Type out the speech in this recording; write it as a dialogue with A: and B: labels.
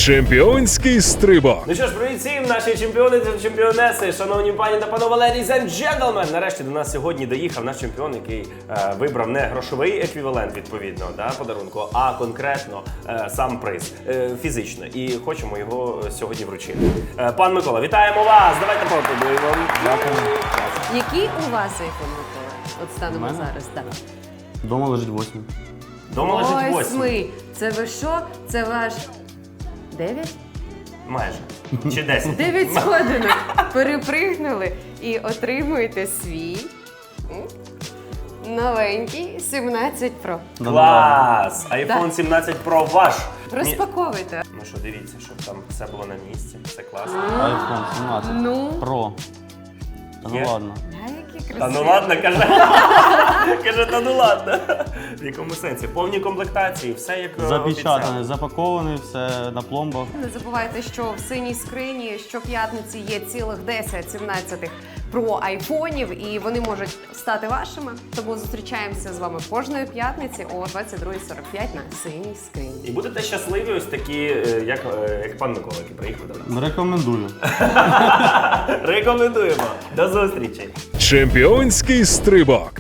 A: Чемпіонський стрибок.
B: Ну що ж, привіт всім, наші чемпіони та чемпіонеси, шановні пані та панове, ladies and gentlemen! Нарешті до нас сьогодні доїхав наш чемпіон, який вибрав не грошовий еквівалент, відповідно, подарунку, а конкретно сам приз, фізично. І хочемо його сьогодні вручити. Пан Микола, вітаємо вас! Давайте поаплодуємо.
C: Дякую.
D: Який у вас iPhone, Микола? От станемо
C: У мене?
D: зараз. Так.
C: Дома лежить 8.
B: Дома лежить 8.
D: Восьмий. Це ви що? Це ваш 9?
B: Майже. Чи 10.
D: 9 сходинок. Перепригнули і отримуєте свій новенький 17 Pro.
B: Клас! iPhone 17 Pro ваш!
D: Розпаковуйте.
B: Ну що, дивіться, щоб там все було на місці, все класно.
C: iPhone 17
D: Ну?
C: Pro. Та
B: Є?
C: ну ладно.
D: А які
B: Та
D: красиві.
B: ну ладно, каже. Каже, та ну ладно. В якому сенсі? Повні комплектації, все як
C: Запечатане,
B: обіцяли.
C: запаковане, все на пломбах.
D: Не забувайте, що в синій скрині щоп'ятниці є цілих 10 17 Pro айфонів, і вони можуть стати вашими. Тому зустрічаємося з вами кожної п'ятниці о 22:45 на синій скрині.
B: І будете щасливі ось такі, як пан Микола, який приїхав до нас.
C: Рекомендую.
B: Рекомендуємо. До зустрічі.
A: Чемпіонський стрибок.